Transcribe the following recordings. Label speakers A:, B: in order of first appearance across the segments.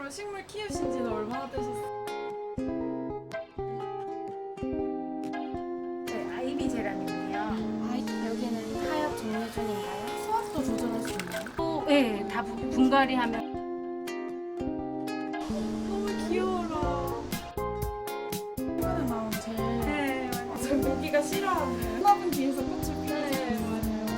A: 그러면 식물 키우신 지는 얼마나 되셨어요?
B: 네, 아이비 제라늄이요.
C: 여기는 하엽 종류종인가요? 수압도 조절할 수 있나요?
B: 네, 다 분갈이 하면
A: 너무 귀여워라. 이번에 나온 제일
B: 네,
A: 저 모기가 싫어하는 화분 뒤에서 꽃을 피우는 맞아요.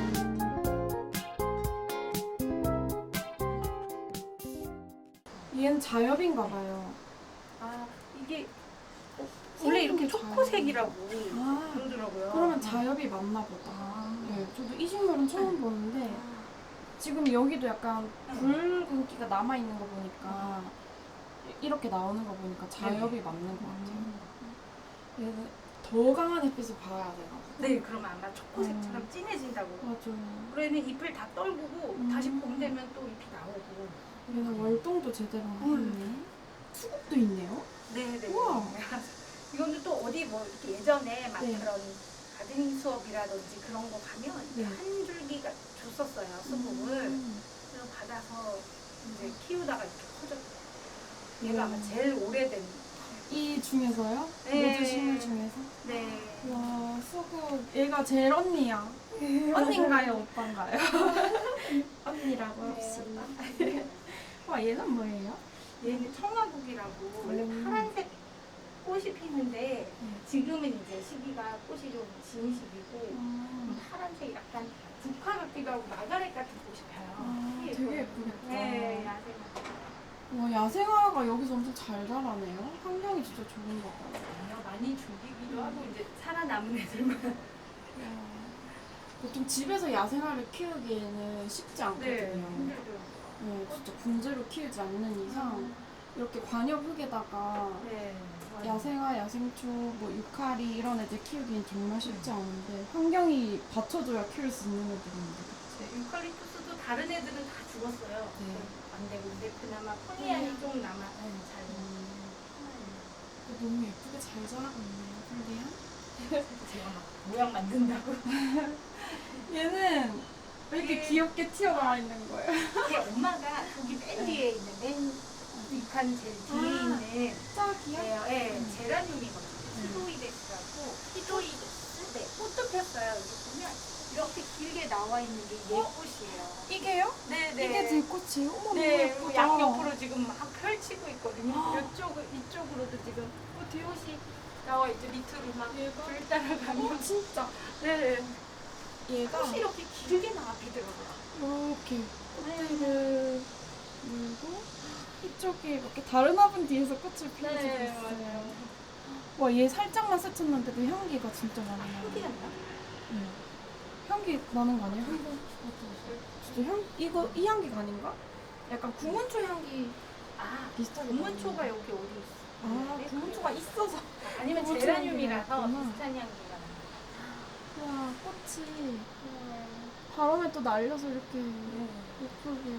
A: 얘는 자엽인가 봐요.
B: 아, 이게 원래 이렇게 초코색이라고
A: 아,
B: 그러더라고요.
A: 그러면 자엽이 맞나 보다. 네, 저도 이 식물은 처음 보는데 지금 여기도 약간 붉은기가 남아 있는 거 보니까 이렇게 나오는 거 보니까 자엽이 맞는 것 같아요. 얘는 더 강한 햇빛을 봐야 되나 봐.
B: 네, 그러면 아마 초코색처럼 진해진다고.
A: 맞아요.
B: 그러면 잎을 다 떨구고 다시 봄 되면 또 잎이 나오고.
A: 얘는 월동도 제대로 했네. 수국도 있네요.
B: 네, 네.
A: 우와.
B: 이건 또 어디 뭐 이렇게 예전에 막
A: 네.
B: 그런 가드닝 수업이라든지 그런 거 가면
A: 네.
B: 한 줄기가 줬었어요, 수국을. 그래서 받아서 이제 키우다가 이렇게 커졌어요. 얘가 아마 제일 오래된.
A: 이 중에서요?
B: 네.
A: 모두 식물 중에서?
B: 네.
A: 와, 수국. 얘가 제일 언니야. 언니인가요? 오빠인가요? 언니라고 합시다. 와, 얘는 뭐예요?
B: 얘는 청화국이라고 원래
A: 음.
B: 파란색 꽃이 피는데 지금은 이제 시기가 꽃이 좀 진 시기고 파란색 약간 국화 같기도 하고 마가렛 같은 꽃이 펴요.
A: 되게 예쁘겠다.
B: 네, 야생화.
A: 와, 야생화가 여기서 엄청 잘 자라네요. 환경이 진짜 좋은 것 같아요.
B: 많이 죽이기도 하고 이제 살아남은 애들만.
A: 보통 집에서 야생화를 키우기에는 쉽지 않거든요.
B: 힘들죠.
A: 네, 진짜 분재로 키우지 않는 이상 이렇게 관엽 흙에다가
B: 네.
A: 야생화, 야생초, 뭐 유카리 이런 애들 키우기엔 정말 쉽지 않은데 환경이 받쳐줘야 키울 수 있는 애들인데.
B: 네, 유칼립투스도 다른 애들은 다 죽었어요.
A: 네.
B: 안 되고 근데 그나마 포니안이 좀 남아 잘.
A: 너무 예쁘게 잘 자라고 있네요, 근데요?
B: 제가 막 모양 만든다고.
A: 얘는 왜 이렇게 귀엽게 튀어나와 있는 거예요?
B: 이게 엄마가 저기 맨 뒤에 있는 맨 뒷칸 제일 뒤에 있는
A: 진짜 귀여워.
B: 제라늄이거든요. 히도이데스라고. 히도이데스. 네, 꽃도 폈어요. 여기 보면 이렇게 길게 나와 있는 게 얘 꽃이에요.
A: 이게요?
B: 네네.
A: 이게 제 꽃이에요? 어머,
B: 네,
A: 너무
B: 그리고
A: 예쁘다.
B: 양옆으로 지금 막 펼치고 있거든요. 이쪽으로도 지금 꽃이 나와 있죠. 밑으로 막 불 따라가면.
A: 진짜.
B: 네.
A: 얘가
B: 꽃이 이렇게 길게 나와 피더라고요.
A: 이렇게 꽃들을 물고 이쪽에 이렇게 다른 화분 뒤에서 꽃을 피워주고
B: 네,
A: 있어요.
B: 맞아요.
A: 와, 얘 살짝만 스쳤는데도 향기가 진짜 많이 나요.
B: 향기 났나?
A: 향기 나는 거 아니에요? 한번 진짜 이 향기가 아닌가? 약간 구문초 향기
B: 아,
A: 비슷하게
B: 금문초가
A: 나는데.
B: 여기 어디 있어?
A: 아, 구문초가 있어서.
B: 아니면
A: 금문초
B: 제라늄이라서
A: 향기가 있구나.
B: 비슷한 향기가 나요.
A: 와, 꽃이 바람에 또 날려서 이렇게 예쁘게.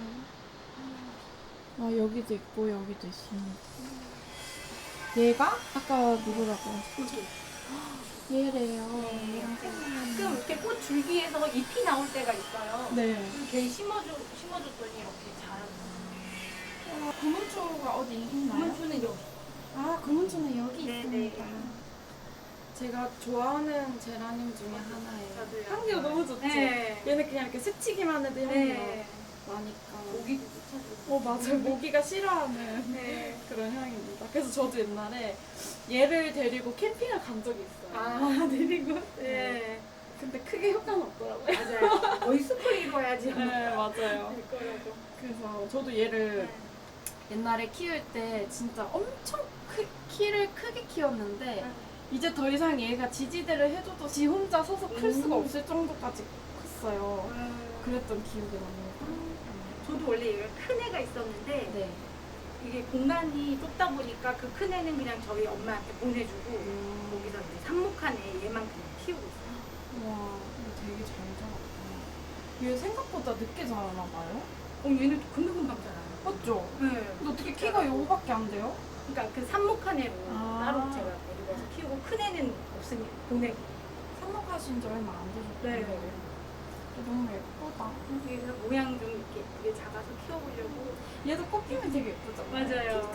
A: 아, 여기도 있고 여기도 있습니다. 얘가 아까 누구라고 하셨죠? 얘래요.
B: 가끔 이렇게 꽃 줄기에서 잎이 나올 때가 있어요.
A: 네.
B: 걔 심어줬더니 이렇게 자라요.
A: 구문초가 어디 있나요?
B: 금문초는 여기.
A: 아, 구문초는 여기
B: 네,
A: 있습니다.
B: 네.
A: 제가 좋아하는 제라늄 중에 하나예요.
B: 저도요.
A: 향기가 너무 좋지?
B: 네.
A: 얘는 그냥 이렇게 스치기만 해도 향기가
B: 네.
A: 나니까.
B: 모기도 쫓아주고.
A: 맞아요. 모기가 싫어하는
B: 네.
A: 그런 향입니다. 그래서 저도 옛날에 얘를 데리고 캠핑을 간 적이 있어요.
B: 아, 내리고? 네.
A: 근데 크게 효과는 없더라고요.
B: 맞아요. 거의 스프레이로 해야지.
A: 네, 맞아요.
B: 될 거라고.
A: 그래서 저도 얘를 옛날에 키울 때 진짜 엄청 키를 크게 키웠는데 이제 더 이상 얘가 지지대를 해줘도 지 혼자 서서 클 수가 없을 정도까지 컸어요. 그랬던 기억이 납니다.
B: 저도 원래 얘가 큰 애가 있었는데
A: 네.
B: 이게 공간이 좁다 보니까 그 큰 애는 그냥 저희 엄마한테 보내주고 거기서 이제 삽목한 애 얘만 그냥 키우고 있어요.
A: 와, 이거 되게 잘 자랐다. 얘 생각보다 늦게 자라나 봐요?
B: 얘는 금방금방 자라요.
A: 맞죠?
B: 네.
A: 근데 어떻게 키가 요거밖에 안 돼요?
B: 그러니까 그 삽목한 애로
A: 아.
B: 따로 제가 데리고 와서 키우고 큰 애는 없으니 보내고.
A: 삽목하신 지 얼마 안 되셨대요.
B: 네.
A: 너무 예쁘다.
B: 그래서 모양 좀 이렇게 작아서 키워보려고.
A: 얘도 꽃 피면 되게 예쁘죠?
B: 맞아요.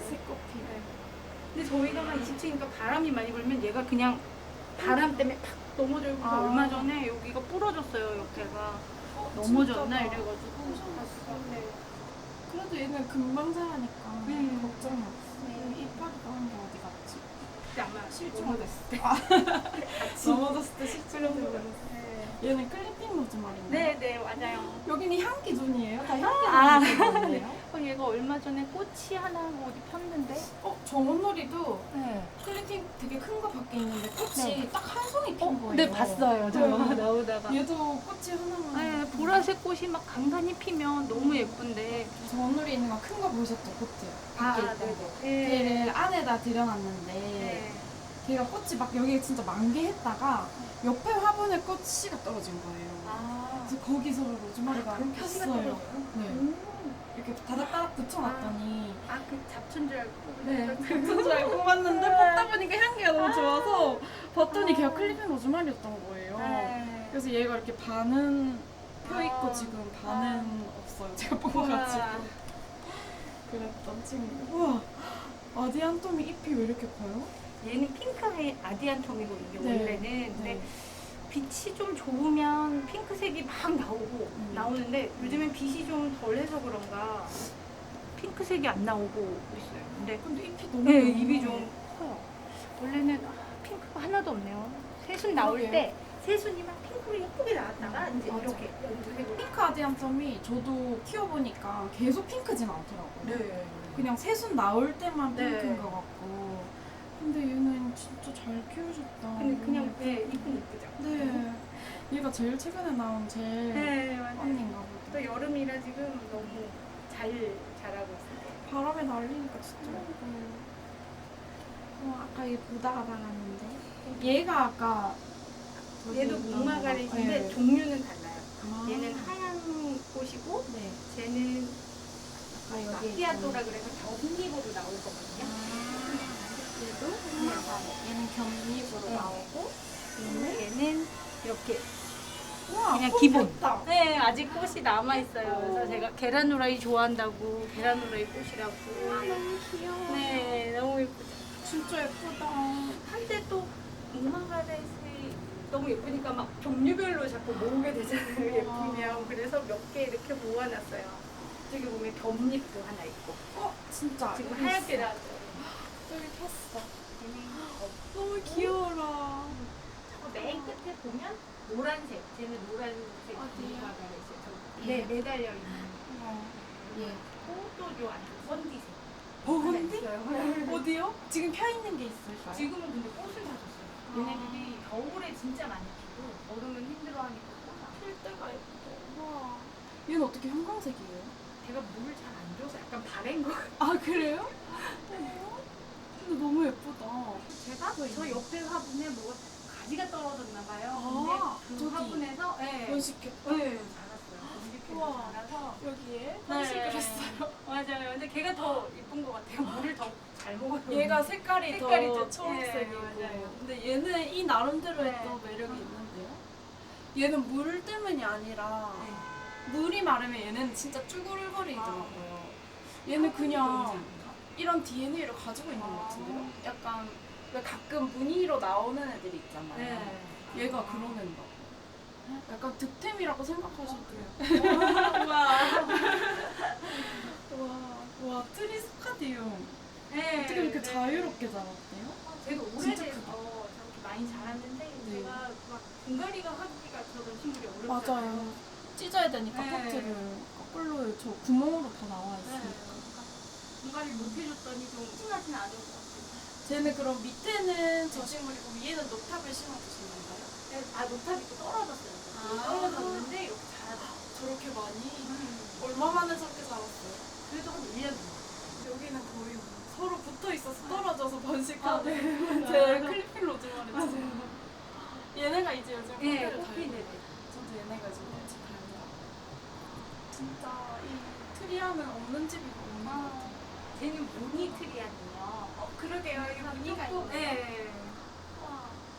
B: 근데 저희가 한 20층이니까 바람이 많이 불면 얘가 그냥 바람 때문에 팍 넘어져서
A: 아.
B: 얼마 전에 여기가 부러졌어요. 옆에가 넘어졌나 이래가지고 네.
A: 그래도 얘는 금방 자라니까
B: 네.
A: 걱정이 없어.
B: 네.
A: 이빨이 나온 게 어디 갔지?
B: 그때 아마
A: 실종됐을 때.
B: 같이
A: 넘어졌을 때 실종됐어.
B: 네.
A: 얘는 클리핑 로즈마리인가요?
B: 네, 맞아요.
A: 여기는 향기 존이에요? 다 향기
B: 아.
A: 존이에요?
B: 얘가 얼마 전에 꽃이 하나 어디 폈는데
A: 정원놀이도
B: 네.
A: 클리핑 되게 큰 거 밖에 있는데 꽃이
B: 네.
A: 딱 한 송이 핀 거예요.
B: 네, 봤어요. 저
A: 네.
B: 나오다가.
A: 얘도 꽃이 하나만.
B: 네, 보라색 꽃이 막 간간히 피면 너무 예쁜데.
A: 정원놀이 있는 거 큰 거 보셨죠? 꽃이요.
B: 아,
A: 밖에 있던 거.
B: 네.
A: 걔를 안에다 들여놨는데
B: 네.
A: 걔가 꽃이 막 여기에 진짜 만개했다가 옆에 화분에 꽃씨가 떨어진 거예요.
B: 아,
A: 그래서 거기서 로즈마리가 폈어요. 네. 이렇게 다닥다닥 붙여놨더니
B: 그 잡초인 줄 알고.
A: 네, 그런 줄 알고 뽑았는데 뽑다 보니까 향기가 너무 좋아서 봤더니 걔가 클리핑 로즈마리였던 거예요.
B: 네.
A: 그래서 얘가 이렇게 반은 펴있고
B: 아.
A: 지금 반은 없어요. 제가 뽑아가지고
B: 우와.
A: 그랬던 친구. 우와, 아디안톰이 잎이 왜 이렇게 커요?
B: 얘는 핑크의 아디안톰이거든요.
A: 네.
B: 원래는. 근데
A: 네.
B: 빛이 좀 좋으면 핑크색이 막 나오고 나오는데 요즘엔 빛이 좀 덜해서 그런가 핑크색이 안 나오고 있어요. 근데
A: 근데 잎이 너무
B: 네,
A: 많아요.
B: 입이 좀 커요. 원래는 핑크가 하나도 없네요. 새순 나올
A: 그러게요.
B: 때 새순이 막 핑크로 예쁘게 나왔다가 이제
A: 맞아.
B: 이렇게 연두색으로.
A: 핑크 아디안톰이 저도 키워보니까 계속 핑크진 않더라고요.
B: 네.
A: 그냥 새순 나올 때만
B: 네.
A: 핑크인 것 같고. 근데 얘는 진짜 잘 키우셨다.
B: 근데 그냥 이쁜 예쁘죠.
A: 네. 얘가 제일 최근에 나온 제일
B: 네, 맞아요.
A: 언니인가 보다.
B: 또 여름이라 지금 너무 잘 자라고 있어요.
A: 바람에 날리니까 진짜 예뻐요. 아까 얘 보다가 나갔는데. 얘가 아까
B: 얘도
A: 저기
B: 목마가렛인데
A: 네.
B: 종류는 달라요.
A: 아.
B: 얘는 하얀 꽃이고
A: 네.
B: 쟤는
A: 아까 여기
B: 마키아토라 그래서 겹잎으로 나올 거거든요.
A: 얘도 얘는 겹잎으로
B: 네.
A: 나오고
B: 얘는 이렇게
A: 우와,
B: 그냥
A: 꽃
B: 기본.
A: 폈다.
B: 네, 아직 꽃이 남아 있어요. 그래서 제가 계란 후라이 좋아한다고 계란 후라이 꽃이라고.
A: 너무 귀여워.
B: 네, 너무 예쁘죠.
A: 진짜 예쁘다.
B: 한때 또 목마가렛이 너무 예쁘니까 막 종류별로 자꾸 모으게 되잖아요. 예쁘면. 그래서 몇 개 이렇게 모아놨어요. 저기 보면 겹잎도 하나 있고.
A: 진짜
B: 지금
A: 여기
B: 하얗게
A: 있어.
B: 나왔죠.
A: 여기 폈어. 너무 귀여워라.
B: 맨 끝에 보면 노란색. 쟤는 노란색
A: 어디요?
B: 목마가렛이에요. 네, 매달려 있는.
A: 예.
B: 또요 안에 번디색.
A: 버건디? 어디요? 지금 펴 있는 게 있을까요?
B: 지금은 근데 꽃을 다 줬어요. 얘네들이 겨울에 진짜 많이 피고 여름은 힘들어하니까
A: 필 때가 예쁘다. 와. 얘는 어떻게 형광색이에요?
B: 제가 물을 잘 안 줘서 약간 바랜 거 같아요.
A: 아 그래요? 근데 너무 예쁘다.
B: 제가 저 옆에 화분에 뭐가 가지가 떨어졌나 봐요.
A: 아,
B: 근데 그
A: 저기.
B: 화분에서
A: 번식했다.
B: 네, 자랐어요. 이렇게
A: 우와.
B: 자라서
A: 여기에 번식을
B: 네.
A: 했어요.
B: 맞아요. 근데 걔가 더 이쁜 것 같아요. 물을 더 잘 먹어요.
A: 얘가 색깔이
B: 색깔이
A: 더
B: 좀-
A: 초록색이고.
B: 네, 맞아요.
A: 근데 얘는 이 나름대로의
B: 네.
A: 또 매력이 있는데요. 얘는 물 때문이 아니라
B: 네.
A: 물이 마르면 얘는 진짜 쭈글거리더라고요. 얘는 그냥 이런 DNA를 가지고 있는 것 같은데요? 약간 왜 가끔 무늬로 나오는 애들이 있잖아요.
B: 네.
A: 얘가 그런 애인가 봐요. 약간 득템이라고 생각하셔도 돼요. 와, 트리스카디움.
B: 네.
A: 어떻게 이렇게 자유롭게 자랐대요?
B: 쟤도
A: 진짜
B: 오래돼서
A: 크다.
B: 저렇게 많이 자랐는데
A: 네.
B: 제가 막 분갈이가 하기가 저런 식물이 어렵잖아요.
A: 맞아요. 찢어야 되니까
B: 네.
A: 포트를 거꾸로 저 구멍으로 다 나와 있으니까.
B: 분갈이 못 해줬더니 좀 흥하진 않은 것 같아요.
A: 쟤는 그럼 밑에는 저 식물이고 위에는 노탑을 심어주신 건가요?
B: 노탑이 또 떨어졌어요.
A: 아.
B: 떨어졌는데 이렇게 자라다.
A: 저렇게 많이? 얼마 만에 저렇게 자랐어요?
B: 그래도 한 1년 정도.
A: 여기는 거의 뭐 서로 붙어 있어서 떨어져서 번식하는
B: 네.
A: 제 클리핀 로즈마리. 얘네가 이제 요즘
B: 네,
A: 꽃피를
B: 꽃피네.
A: 달고. 저도 얘네가 요즘 꽃이 달고. 진짜 이 트리아는 없는 집이 없는 것 같아요.
B: 쟤는 무늬 트리아니요.
A: 그러게요. 이게 무늬가
B: 조금,
A: 있네.
B: 네.
A: 와.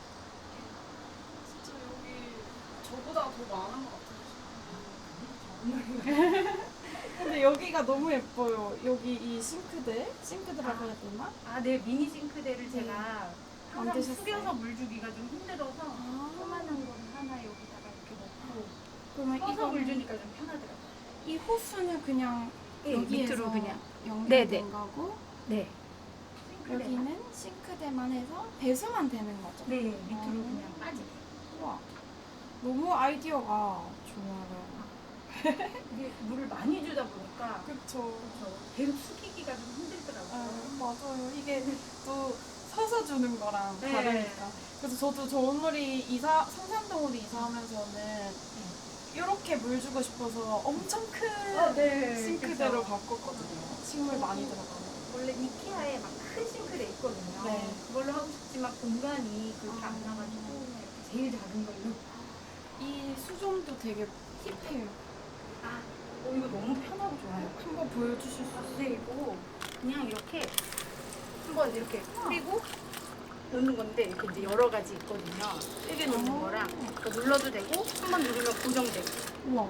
A: 진짜 여기 저보다 더 많은 것 같아요. 근데 여기가 너무 예뻐요. 여기 이 싱크대라고 해야 되나?
B: 아, 네, 미니 싱크대를 제가 항상
A: 만드셨어요?
B: 숙여서 물 주기가 좀 힘들어서
A: 아.
B: 조그만한 거 하나 여기다가 이렇게 넣고
A: 그러면
B: 서서 물
A: 이거는
B: 주니까 좀 편하더라고요.
A: 이 호수는 그냥
B: 네,
A: 여기에서
B: 밑으로 그냥.
A: 연결된
B: 네, 네.
A: 거고
B: 네.
A: 여기는 싱크대만 해서 배수만 되는 거죠.
B: 네, 밑으로
A: 아.
B: 그냥 빠지게.
A: 우와, 너무 아이디어가 좋아요.
B: 이게 물을 많이 주다 보니까
A: 그쵸.
B: 계속 숙이기가 좀 힘들더라고요.
A: 맞아요. 이게 또 서서 주는 거랑
B: 네.
A: 다르니까. 그래서 저도 저 온누리 성산동으로 이사하면서는 이렇게 물 주고 싶어서 엄청 큰
B: 네,
A: 싱크대로
B: 그쵸.
A: 바꿨거든요. 식물 많이 들어가는.
B: 원래 이케아에 막 큰 싱크대 있거든요.
A: 네.
B: 그걸로 하고 싶지만 공간이 그렇게 안 나가지고 제일 작은 걸로.
A: 이 수종도 되게 힙해요.
B: 아, 이거 너무 편하고 좋아요.
A: 한번 보여주실 수 있어요?
B: 네, 이거 그냥 이렇게 한번 이렇게 뿌리고 놓는 건데 이렇게 이제 여러 가지 있거든요. 세게 놓는 거랑 이거 눌러도 되고 한 번 누르면 고정되고.
A: 우와.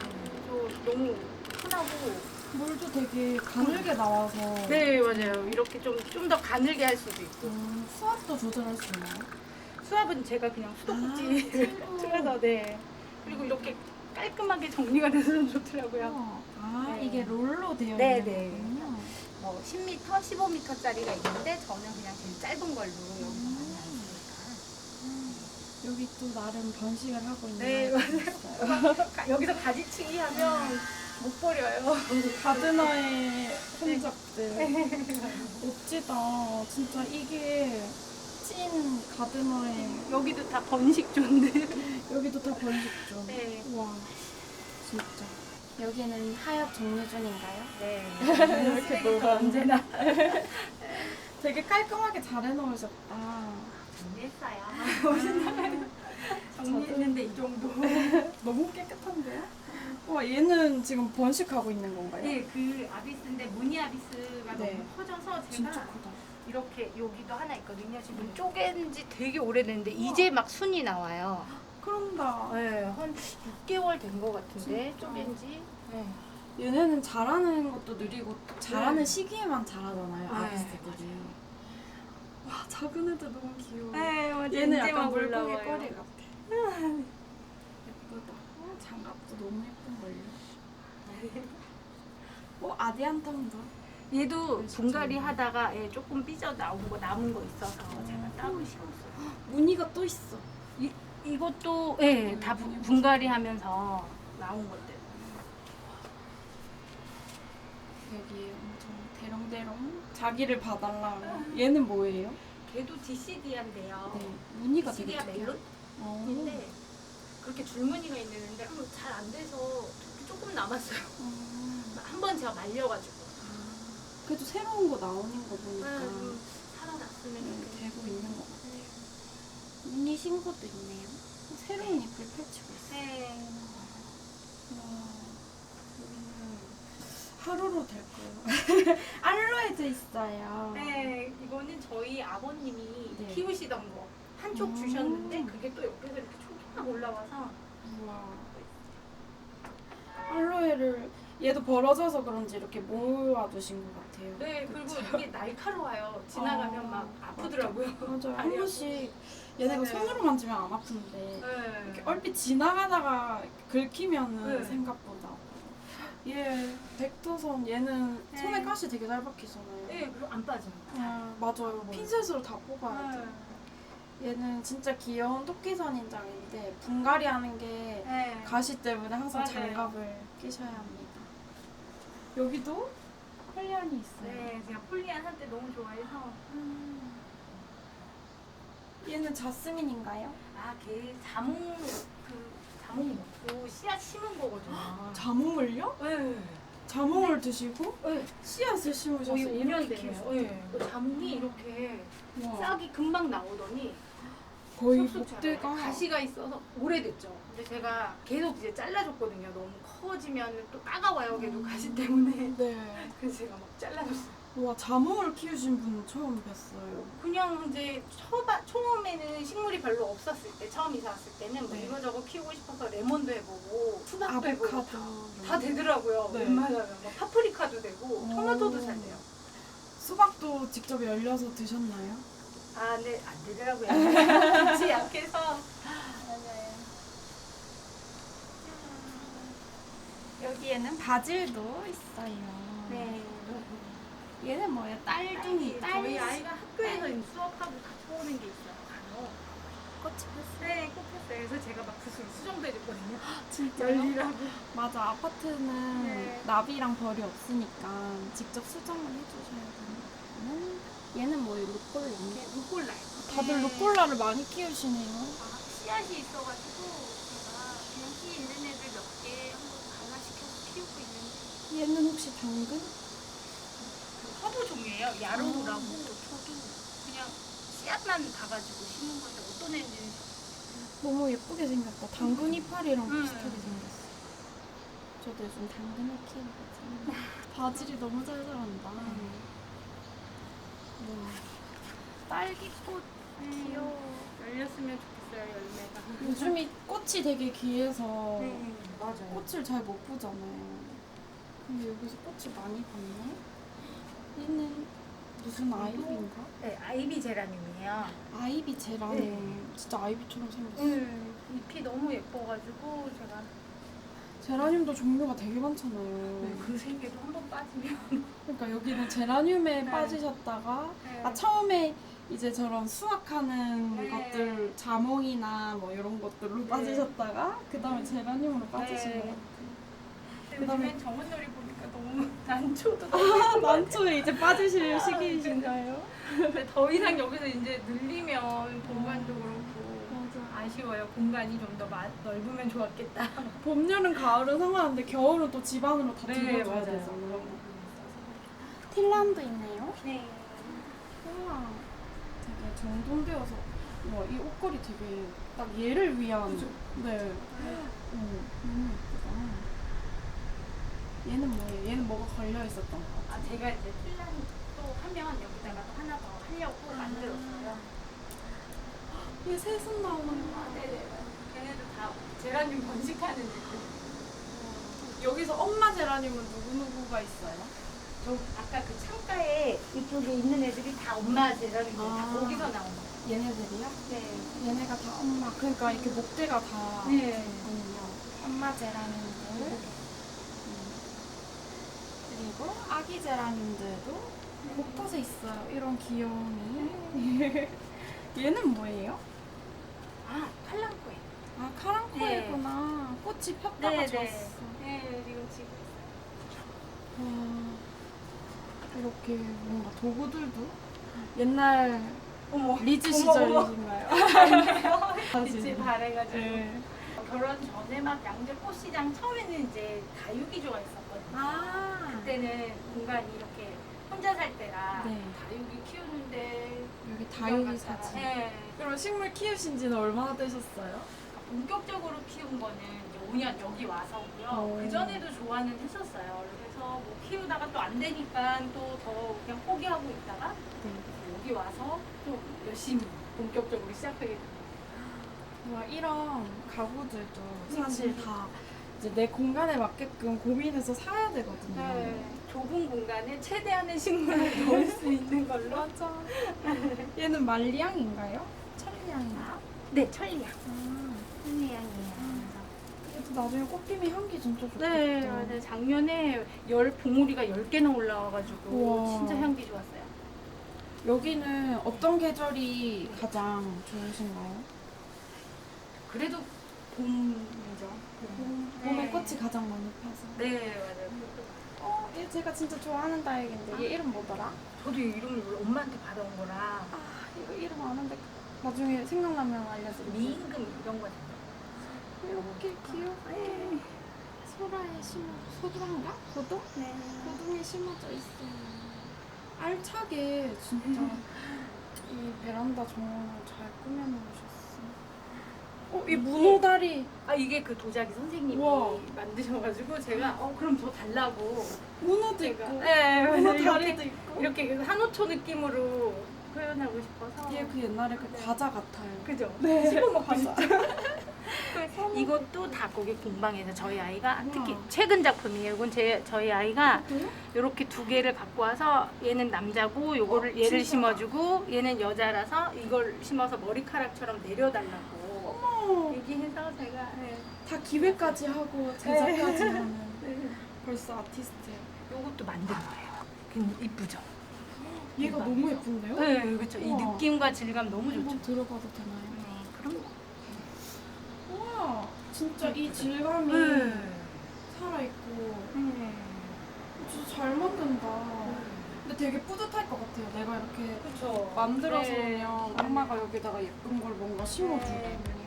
B: 저 너무 편하고.
A: 물도 되게 가늘게 나와서
B: 네, 맞아요. 이렇게 좀 더 가늘게 할 수도 있고.
A: 수압도 조절할 수 있나요?
B: 수압은 제가 그냥 수도꼭지를
A: 아,
B: 틀어서 네. 그리고 이렇게 깔끔하게 정리가 돼서 좀 좋더라고요.
A: 우와. 아,
B: 네.
A: 이게 롤로 되어
B: 네,
A: 있는
B: 네.
A: 거군요.
B: 뭐 10m, 15m짜리가 있는데 저는 그냥 제일 짧은 걸로 여기서 많이 안 쓰니까.
A: 여기 또 나름 번식을 하고 있는
B: 네,
A: 아이가 있어요.
B: 여기서 가지치기 하면 못 버려요.
A: 가드너의 흔적들. 멋지다. 진짜 이게 찐 가드너의
B: 여기도 다 번식조인데.
A: 여기도 다 번식죠.
B: 네.
A: 와, 진짜.
C: 여기는 하엽 정리준인가요?
B: 네.
A: 이렇게
B: 쓰레기가
A: 놀아.
B: 언제나
A: 되게 깔끔하게 잘 해놓으셨다.
B: 정리했어요. 정리했는데 이 정도.
A: 너무 깨끗한데요? 와, 얘는 지금 번식하고 있는 건가요?
B: 네, 그 아비스인데 무늬 아비스가
A: 네.
B: 너무 커져서
A: 진짜
B: 제가
A: 크다.
B: 이렇게 여기도 하나 있거든요. 지금 쪼갠 지 되게 오래됐는데 이제 막 순이 나와요.
A: 그런다.
B: 네, 한 6개월 된 것 같은데
A: 진짜?
B: 쪼갠 지. 네.
A: 얘네는 자라는 것도 느리고 자라는
B: 네.
A: 시기에만 자라잖아요,
B: 네,
A: 아비스들이. 와, 작은 애들 너무 귀여워.
B: 네, 맞아.
A: 얘는
B: 이제
A: 약간
B: 막
A: 물고기
B: 올라와요.
A: 꼬리 같아. 예쁘다. 장갑도 너무 예쁜걸요. 아디안탐도.
B: 얘도
A: 진짜
B: 분갈이
A: 예뻐요.
B: 하다가 얘 조금 삐져 나온 거 남은 거 있어서 제가 따로 심었어요.
A: 무늬가 또 있어.
B: 이것도 네, 다 분갈이 하면서 나온 것들.
A: 여기 엄청 대롱대롱 자기를 봐달라고. 얘는 뭐예요?
B: 걔도 디시디아인데요.
A: 네, 무늬가 되게
B: 디시디아
A: 특이해요.
B: 멜론인데 그렇게 줄무늬가 있는데 잘 안 돼서 조금 남았어요. 한 번 제가 말려가지고.
A: 그래도 새로운 거 나오는 거 보니까
B: 살아났으면 좋겠어요.
A: 되고 있는 것 같아요. 무늬 신고도 있네요. 새로운 잎을 펼치고 있어요.
B: 네.
A: 와, 여기는 하루로 될 거예요. 알로에도 있어요.
B: 네, 이거는 저희 아버님이
A: 네.
B: 키우시던 거 한쪽
A: 음.
B: 주셨는데 그게 또 옆에서 이렇게 촉촉 올라와서
A: 우와. 알로에를 얘도 벌어져서 그런지 이렇게 모아두신 것 같아요.
B: 네, 그리고 이게 날카로워요. 지나가면 막 아프더라고요.
A: 맞아요. 한
B: 다리가.
A: 번씩 얘네가
B: 네.
A: 손으로 만지면 안 아픈데
B: 네.
A: 이렇게 얼핏 지나가다가 긁히면은
B: 네.
A: 생각보다 얘 백두선 얘는
B: 네.
A: 손에 가시 되게 잘 박히잖아요.
B: 네, 그리고 안 빠져요.
A: 맞아요. 핀셋으로 다 뽑아야 돼. 얘는 진짜 귀여운 토끼선 인장인데 분갈이 하는 게
B: 네.
A: 가시 때문에 항상
B: 맞아요.
A: 장갑을 끼셔야 합니다. 여기도 폴리안이 있어요.
B: 네, 제가 폴리안 한때 너무 좋아해서.
A: 얘는 자스민인가요?
B: 아, 걔 자몽 먹고 씨앗 심은 거거든요.
A: 자몽을요?
B: 네.
A: 자몽을 드시고
B: 네.
A: 씨앗을 심으셔서
B: 거의 5년
A: 이렇게
B: 돼요.
A: 키우셨어요.
B: 네. 자몽이 이렇게
A: 와,
B: 싹이 금방 나오더니
A: 거의
B: 쑥쑥
A: 목대가
B: 자라요. 가시가 있어서 오래됐죠. 근데 제가 계속 이제 잘라줬거든요. 너무 커지면 또 따가워요. 걔도 가시 때문에.
A: 네.
B: 그래서 제가 막 잘라줬어요.
A: 와, 자몽을 키우신 분 처음 뵀어요.
B: 그냥 이제 처음에는 식물이 별로 없었을 때, 처음 이사 왔을 때는 뭐
A: 네.
B: 이거저거 키우고 싶어서 레몬도 해보고 수박도 해보고
A: 아보카도.
B: 다 되더라고요.
A: 네.
B: 웬만하면 막 파프리카도 되고 토마토도 잘 돼요.
A: 수박도 직접 열려서 드셨나요?
B: 아, 네, 안 되더라고요. 빛이 약해서. 맞아요.
A: 여기에는 바질도 있어요.
B: 네.
A: 얘는 뭐예요? 딸둥이.
B: 저희 아이가 학교에서 수업하고 갖고 오는 게 있어요. 간혹.
A: 꽃이 폈어요.
B: 네, 꼭 했어요. 그래서 제가 막 붓으로 수정도 해줬거든요.
A: 진짜요?
B: 열리라고.
A: 맞아, 아파트는
B: 네.
A: 나비랑 벌이 없으니까 직접 수정을 해주셔야 되니까. 얘는 뭐예요? 루꼴라.
B: 네, 루꼴라요.
A: 다들
B: 네.
A: 루꼴라를 많이 키우시네요.
B: 아, 씨앗이 있어가지고 제가 그냥 씨 있는 애들 몇 개 한번 발라시켜서 키우고 있는데
A: 얘는 혹시 당근?
B: 그 허브 종이에요. 야로우라고 저도 그냥 씨앗만 가가지고 심은 건데 어떤 애인지는
A: 너무 예쁘게 생겼다. 당근 이파리랑
B: 음.
A: 비슷하게 생겼어. 저도 요즘 당근을 키우거든요. 바질이 너무 잘 자란다. 딸기꽃 귀여워.
B: 열렸으면 좋겠어요, 열매가.
A: 요즘이 꽃이 되게 귀해서
B: 네, 맞아요.
A: 꽃을 잘 못 보잖아요. 근데 여기서 꽃을 많이 봤네. 얘는 무슨 아이비인가?
B: 네, 아이비 제라늄이에요.
A: 아이비 제라늄.
B: 네.
A: 진짜 아이비처럼 생겼어.
B: 잎이 너무 예뻐가지고 제가
A: 제라늄도 종류가 되게 많잖아요.
B: 그 생계도 한 번 빠지면
A: 그러니까 여기는 제라늄에
B: 네.
A: 빠지셨다가
B: 네.
A: 처음에 이제 저런 수확하는
B: 네.
A: 것들 자몽이나 뭐 이런 것들로 빠지셨다가 그 다음에 제라늄으로 빠지신
B: 네.
A: 것 같아요.
B: 요즘엔 정원놀이 보니까 너무 난초도
A: 아, 난초에 이제 빠지실 시기이신가요?
B: 근데 더 이상 여기서 이제 늘리면 공간도 그렇고
A: 맞아.
B: 아쉬워요. 공간이 좀 더 넓으면 좋았겠다.
A: 봄, 여름, 가을은 상관없는데 겨울은 또 집 안으로 다 들어줘야
B: 맞아요.
A: 되잖아요. 틸란도 있네요.
B: 네.
A: 우와. 되게 정돈되어서 이 옷걸이 되게 딱 얘를 위한. 네. 너무 예쁘다. 얘는 뭐예요? 얘는 뭐가 걸려 있었던 거 같아요.
B: 아, 제가 이제 틸란 또 하면 여기다가 또 하나 더 하려고 만들었어요.
A: 얘 새순 나오는 거.
B: 아, 네네. 걔네도 다 제라늄 번식하는 애들.
A: 여기서 엄마 제라늄은 누구누구가 있어요?
B: 저 아까 그 창가에 이쪽에 있는 애들이 다 엄마 제라늄이에요. 다
A: 아.
B: 거기서 나온 거예요.
A: 얘네들이요?
B: 네.
A: 얘네가 다 엄마. 그러니까 이렇게 목대가 다
B: 네.
A: 있군요. 엄마 제라늄들. 그리고 아기 제라늄들도 곳곳에 있어요. 이런 귀여움이. 얘는 뭐예요?
B: 아, 팔랑코에.
A: 아, 카랑코에구나. 꽃이 폈다가 졌어.
B: 네, 지금 지금.
A: 와, 이렇게 뭔가 도구들도 옛날
B: 어머.
A: 리즈
B: 어머, 어머.
A: 시절이신가요?
B: 빛이 바래가지고.
A: 네.
B: 결혼 전에 막 양재 꽃시장 처음에는 이제 다육이 좋아했었거든요.
A: 아,
B: 그때는 공간이 이렇게 혼자 살 때라
A: 네.
B: 다육이 키우는데
A: 여기 다육이
B: 구경 갔다가,
A: 사진.
B: 네.
A: 그럼 식물 키우신 지는 얼마나 되셨어요?
B: 본격적으로 키운 거는 이제 5년 여기 와서고요.
A: 오.
B: 그 전에도 좋아는 했었어요. 그래서 뭐 키우다가 또 안 되니까 또 더 그냥 포기하고 있다가 여기 와서 또 열심히 본격적으로 시작하게 됐어요.
A: 와, 이런 가구들도 사실 다 이제 내 공간에 맞게끔 고민해서 사야 되거든요.
B: 네, 좁은 공간에 최대한의 식물을 넣을 수 있는 걸로.
A: 맞아. 얘는 말리향인가요? 천리향인가?
B: 네, 천리향.
A: 아,
B: 천리향이에요.
A: 그래도 나중에 꽃피면 향기 진짜 좋겠다.
B: 네, 맞아요. 작년에 봉우리가 10개나 올라와가지고
A: 우와.
B: 진짜 향기 좋았어요.
A: 여기는 어떤 계절이 가장 좋으신가요?
B: 그래도 봄이죠.
A: 봄에
B: 네.
A: 꽃이 가장 많이 펴서.
B: 네, 맞아요.
A: 얘 제가 진짜 좋아하는 다육인데 얘 이름 뭐더라?
B: 저도 이 이름을 원래 엄마한테 받아온 거라
A: 아, 이거 이름 아는데 나중에 생각나면 알려드릴게요.
B: 미임금 이런 거
A: 이렇게 귀엽게 소라에 소두인가? 고동?
B: 네.
A: 고동에 심어져 있어요. 알차게 진짜 이 베란다 정원을 잘 꾸며놓으셨어. 이 문어다리.
B: 아, 이게 그 도자기 선생님이
A: 우와.
B: 만드셔가지고 제가 그럼 저 달라고
A: 문어도
B: 제가
A: 있고.
B: 네,
A: 문어
B: 이렇게
A: 다리도 있고.
B: 이렇게 한호초 느낌으로 표현하고 싶어서.
A: 얘 그 옛날에 그
B: 네.
A: 과자 같아요.
B: 그죠?
A: 네.
B: 씹어 먹고
A: 과자.
B: 이것도 다 고객 공방에서 저희 아이가
A: 우와.
B: 특히 최근 작품이에요. 이건 저희 아이가
A: 그래요?
B: 이렇게 두 개를 갖고 와서 얘는 남자고 요거를 얘를
A: 진짜?
B: 심어주고 얘는 여자라서 이걸 심어서 머리카락처럼 내려달라고
A: 어머,
B: 얘기해서 제가 네.
A: 다 기획까지 하고 제작까지
B: 네.
A: 하는
B: 네.
A: 벌써 아티스트예요.
B: 요것도 만든 거예요. 굉장히 이쁘죠?
A: 얘가 너무 예쁜데요?
B: 네, 그렇죠. 이
A: 우와.
B: 느낌과 질감 너무 좋죠.
A: 한번 들어봐도 되나요?
B: 그럼
A: 우와, 진짜 이 질감이 살아있고 진짜 잘 만든다. 근데 되게 뿌듯할 것 같아요. 내가 이렇게
B: 그렇죠.
A: 만들어서 오면 엄마가 여기다가 예쁜 걸 뭔가 심어주고.